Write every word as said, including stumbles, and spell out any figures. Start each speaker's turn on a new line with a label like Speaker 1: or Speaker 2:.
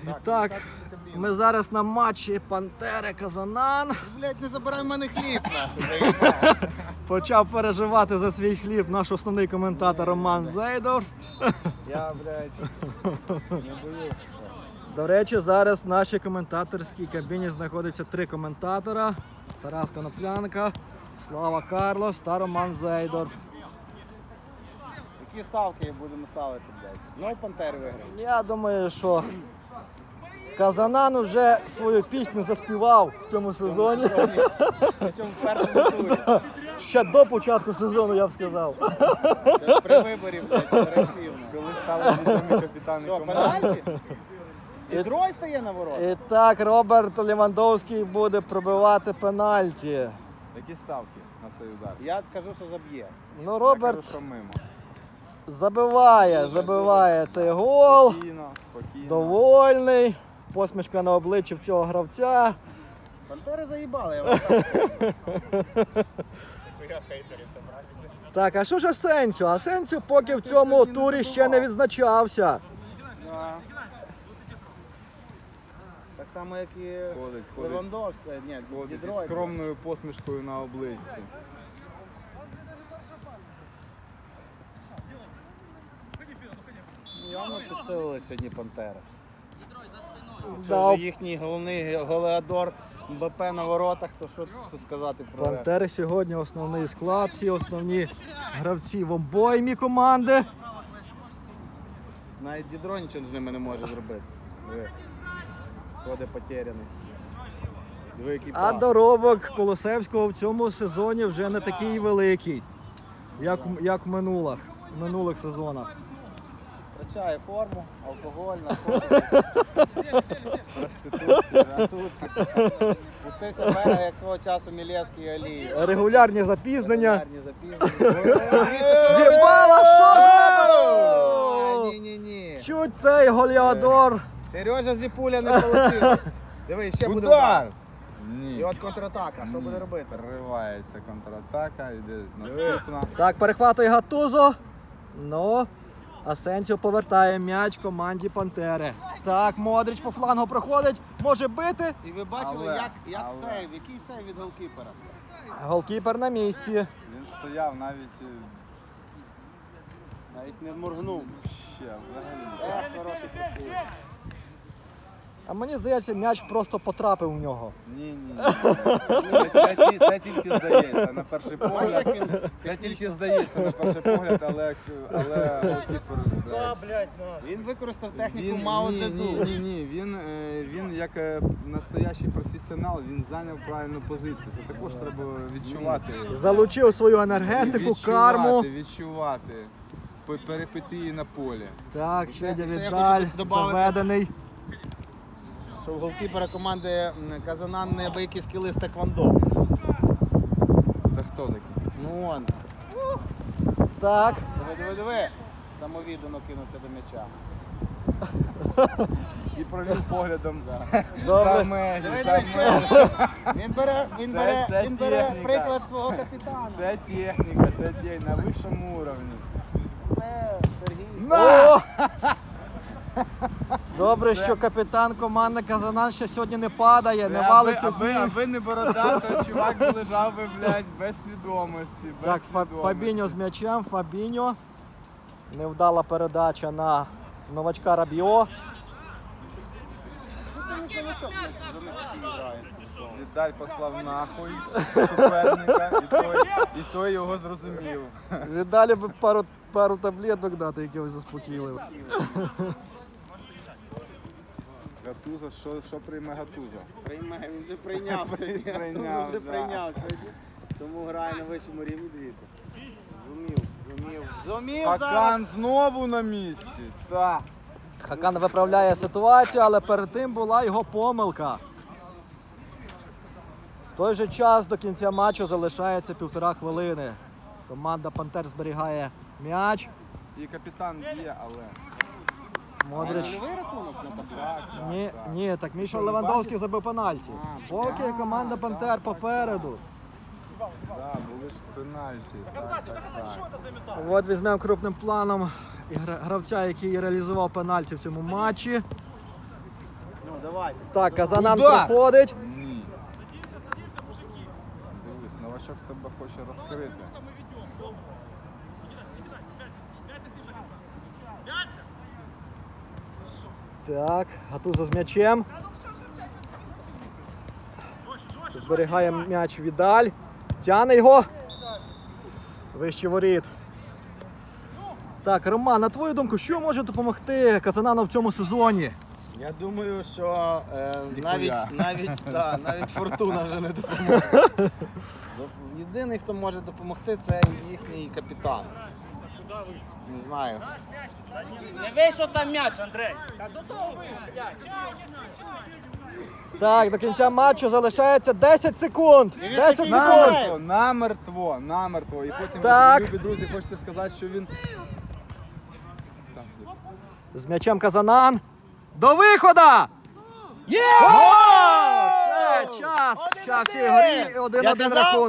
Speaker 1: І так, ми зараз на матчі Пантери Казанан.
Speaker 2: Блять, не забирай в мене хліб, нахуй.
Speaker 1: Почав переживати за свій хліб наш основний коментатор Роман Зейдорф.
Speaker 2: Я, блядь, не боюсь.
Speaker 1: До речі, зараз в нашій коментаторській кабіні знаходиться три коментатора. Тарас Коноплянка, Слава Карлос та Роман Зейдорф.
Speaker 2: Які ставки будемо ставити, блядь? Знову Пантери виграють?
Speaker 1: Я думаю, що Казанан вже свою пісню заспівав в цьому сезоні.
Speaker 2: Причому в першому турі.
Speaker 1: Ще до початку сезону, я б сказав.
Speaker 2: Ще при виборі, блядь, оперативно.
Speaker 3: Коли стали відомі капітани
Speaker 2: Що,
Speaker 3: команди.
Speaker 2: пенальті? І Дрой стає на ворот?
Speaker 1: І так, Роберт Левандовський буде пробивати пенальті.
Speaker 3: Які ставки на цей удар?
Speaker 2: Я кажу, що заб'є.
Speaker 1: Ну,
Speaker 3: Я
Speaker 1: Роберт
Speaker 3: кажу, що мимо.
Speaker 1: забиває, забиває цей гол.
Speaker 3: Спокійно, спокійно.
Speaker 1: Довольний. Посмішка на обличчі в цього гравця.
Speaker 2: Пантери заїбали, я вам кажу.
Speaker 1: Так, а що ж Асенсіо? Асенсіо поки в цьому турі ще не відзначався.
Speaker 2: Да. Так само, як і
Speaker 3: Ходить, ходить.
Speaker 2: Левандовський. Ні,
Speaker 3: Ходить із
Speaker 2: Дідрой.
Speaker 3: скромною посмішкою на обличці.
Speaker 2: Явно підсилили сьогодні Пантери. Це
Speaker 1: Да,
Speaker 2: вже їхній головний голеадор МБП на воротах, то що тут сказати про решта?
Speaker 1: Пантери сьогодні основний склад, всі основні гравці в обоймі команди.
Speaker 2: Навіть Дідро нічого з ними не може зробити. Диви. Ходить потеряний. Диви, який
Speaker 1: А
Speaker 2: пас.
Speaker 1: доробок Колосевського в цьому сезоні вже не такий великий, як, в- як в минулих, в минулих сезонах.
Speaker 2: Втрачає форму, алкоголь, наркотики.
Speaker 3: Проститутки, да?
Speaker 2: Тут пустився в берег, як свого часу Мілєвський і Алієв.
Speaker 1: Регулярні запізнення.
Speaker 2: Регулярні запізнення.
Speaker 1: Дібала, що ж?
Speaker 2: Ні-ні-ні.
Speaker 1: Чуть цей голіадор.
Speaker 2: Сережа Зіпуля не вийшло. Диви, ще буде
Speaker 3: Удар!
Speaker 2: удар.
Speaker 3: Ні.
Speaker 2: І от контратака. Що
Speaker 3: Ні.
Speaker 2: буде робити?
Speaker 3: Переривається контратака, йде наступна.
Speaker 1: Так, перехватує Гатузо. Ну, Асенсіо повертає м'яч команді Пантери. Так, Модрич по флангу проходить, може бити.
Speaker 2: І ви бачили,
Speaker 3: Але,
Speaker 2: як, як
Speaker 3: але.
Speaker 2: сейв, який сейв від голкіпера?
Speaker 1: Голкіпер на місці.
Speaker 3: Він стояв навіть е,
Speaker 2: Навіть не моргнув.
Speaker 3: ще взагалі.
Speaker 2: Ех, хороший футбол.
Speaker 1: А мені здається, м'яч просто потрапив у нього.
Speaker 3: Ні, ні, ні. Це, це, це тільки здається на перший
Speaker 2: Бачиш, як
Speaker 3: погляд.
Speaker 2: він
Speaker 3: Це тільки здається на перший погляд, але, але голкіпер це-
Speaker 2: Він використав техніку
Speaker 3: Він-
Speaker 2: Мао
Speaker 3: ні,
Speaker 2: Цзеду.
Speaker 3: ні, ні, ні. Він, е, він як е, настоящий професіонал, він зайняв правильну позицію. Це також треба відчувати.
Speaker 1: Залучив свою енергетику, карму.
Speaker 3: Відчувати, відчувати пе- перипетії на полі.
Speaker 1: Так,
Speaker 2: Ще-
Speaker 1: ще
Speaker 2: ще я
Speaker 1: Віддаль,
Speaker 2: хочу добавити.
Speaker 1: заведений.
Speaker 2: Що у голкіпера команди м, Казанан неабиякі скіли з теквондо.
Speaker 3: Це хто такий?
Speaker 2: Ну он.
Speaker 1: Так,
Speaker 2: Диви, диви, диви. Самовіддано кинувся до м'яча.
Speaker 3: І провів поглядом
Speaker 1: добре.
Speaker 3: за межі,
Speaker 2: Диви,
Speaker 3: за
Speaker 2: диви, що?
Speaker 3: межі.
Speaker 2: Він бере, він
Speaker 3: Це-
Speaker 2: бере,
Speaker 3: це
Speaker 2: він бере
Speaker 3: техніка.
Speaker 2: приклад свого капітана.
Speaker 3: Це техніка, це техніка на вищому уровні.
Speaker 2: Це Сергій.
Speaker 1: О! Добре, що капітан команди Казанан ще сьогодні не падає, не
Speaker 3: Аби-
Speaker 1: валиться з
Speaker 3: аби,
Speaker 1: ніг.
Speaker 3: аби не борода, то чувак би лежав би, блядь, без свідомості. Без
Speaker 1: Так, Фа-
Speaker 3: свідомості.
Speaker 1: Фабіньо з м'ячем, Фабіньо. Невдала передача на новачка Рабіо.
Speaker 3: Віталь послав нахуй суперника, і той, і той його зрозумів.
Speaker 1: Віддалі би пару, пару таблеток дати, якихось заспокійливих.
Speaker 3: Гатузо, що, що прийме Гатузо?
Speaker 2: Прийме, він вже прийняв сьогодні.
Speaker 3: Прийняв,
Speaker 2: Він вже
Speaker 3: да.
Speaker 2: прийняв сьогодні. Тому грає на вищому рівні, дивіться. Зумів, зумів, зумів зараз.
Speaker 3: Хакан знову на місці. Так.
Speaker 1: Хакан виправляє ситуацію, але перед тим була його помилка. В той же час до кінця матчу залишається півтора хвилини. Команда Пантер зберігає м'яч.
Speaker 3: І капітан б'є, але...
Speaker 1: Модрич.
Speaker 2: Нульовий рахунок на табло.
Speaker 3: Так, так,
Speaker 1: Ні,
Speaker 3: так.
Speaker 1: ні, так Міша
Speaker 3: Що,
Speaker 1: Левандовський забив пенальті.
Speaker 2: А,
Speaker 1: Поки команда Пантер попереду.
Speaker 3: Так, були ж пенальті. Так, так, так.
Speaker 1: От візьмемо крупним планом і гра- гравця, який реалізував пенальті в цьому матчі.
Speaker 2: Ну, давайте.
Speaker 1: Так, Казанан
Speaker 3: Удар!
Speaker 1: проходить.
Speaker 3: Ні. Дивись, новачок себе хоче розкрити.
Speaker 1: Так, Гатузо з м'ячем. Зберігає м'яч Відаль. Тяне його. Вище воріт. Так, Роман, на твою думку, що може допомогти Казанану в цьому сезоні?
Speaker 2: Я думаю, що е,
Speaker 3: Ніхуя.
Speaker 2: навіть, навіть, да, навіть фортуна вже не допоможе. Єдиний, хто може допомогти, це їхній капітан. Не знаю.
Speaker 4: Не вийшов там м'яч, Андрей.
Speaker 1: Так, до кінця матчу залишається десять секунд. десять секунд.
Speaker 3: Намертво, намертво, намертво. І потім,
Speaker 1: Так.
Speaker 3: любі друзі, хочете сказати, що він... Так,
Speaker 1: З м'ячем Казанан. До виходу! Є! Все, час! Час в цій грі. один-один
Speaker 2: Я казав,
Speaker 1: рахунок.